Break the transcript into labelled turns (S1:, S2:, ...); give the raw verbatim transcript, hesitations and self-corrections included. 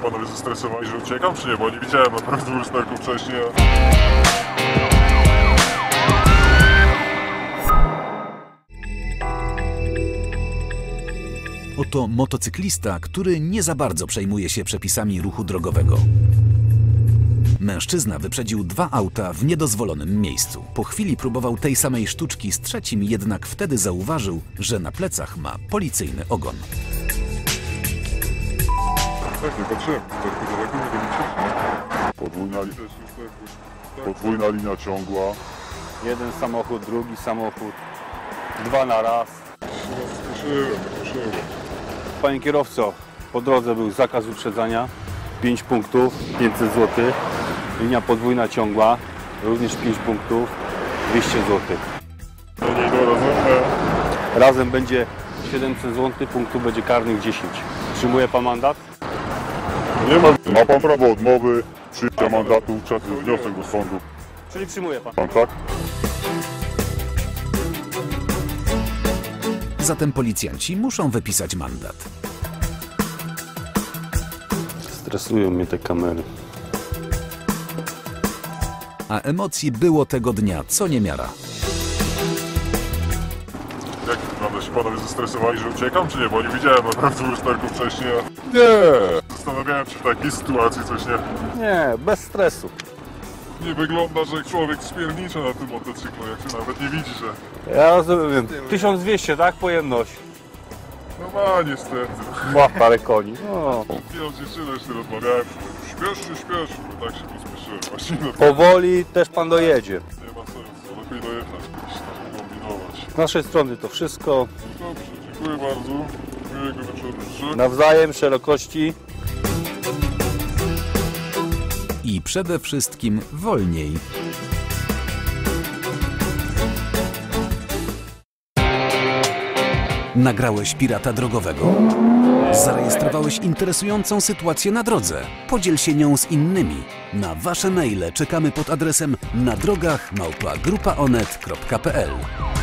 S1: panowie zestresowani, że uciekam, czy nie? Bo nie widziałem naprawdę lusterku wcześniej. A...
S2: Oto motocyklista, który nie za bardzo przejmuje się przepisami ruchu drogowego. Mężczyzna wyprzedził dwa auta w niedozwolonym miejscu. Po chwili próbował tej samej sztuczki z trzecim, jednak wtedy zauważył, że na plecach ma policyjny ogon.
S1: Tak, nie patrzyłem. Daleko nie robicie? Podwójna, li... Podwójna linia ciągła.
S3: Jeden samochód, drugi samochód. Dwa na raz.
S1: Spieszyłem, spieszyłem.
S3: Panie kierowco, po drodze był zakaz wyprzedzania. pięć punktów, pięćset złotych. Linia podwójna ciągła, również pięć punktów, dwieście złotych.
S1: No nie idą razem.
S3: Razem będzie siedemset złotych, punktów będzie karnych dziesięć. Przyjmuje pan mandat?
S1: Nie ma. Ma pan prawo odmowy, przyjęcia mandatu, czas wniosek do sądu.
S3: Czyli przyjmuje pan?
S1: Pan tak?
S2: Zatem policjanci muszą wypisać mandat.
S3: Stresują mnie te kamery.
S2: A emocji było tego dnia co niemiara.
S1: Jak naprawdę się panowie zestresowani, że uciekam, czy nie? Bo nie widziałem naprawdę lusterku wcześniej. A... Nie! Zastanawiałem się w takiej sytuacji coś nie...
S3: Nie, bez stresu.
S1: Nie wygląda, że człowiek spiernicza na tym motocyklu, jak się nawet nie widzi, że...
S3: Ja rozumiem. tysiąc dwieście, tak? Pojemność.
S1: No ma niestety.
S3: Ma parę koni. No.
S1: Ja z dziewczyną jeszcze rozmawiałem, śpiesz się, śpiesz, bo tak się pospieszyłem. Właśnie no,
S3: Powoli też pan dojedzie.
S1: nie ma sensu, lepiej dojechać niż tam kombinować.
S3: Z naszej strony to wszystko.
S1: Dobrze, dziękuję bardzo. Miłego wieczoru życzę.
S3: Nawzajem, szerokości.
S2: I przede wszystkim wolniej. Nagrałeś pirata drogowego? Zarejestrowałeś interesującą sytuację na drodze? Podziel się nią z innymi. Na wasze maile czekamy pod adresem na drogach małpa grupa onet kropka p l.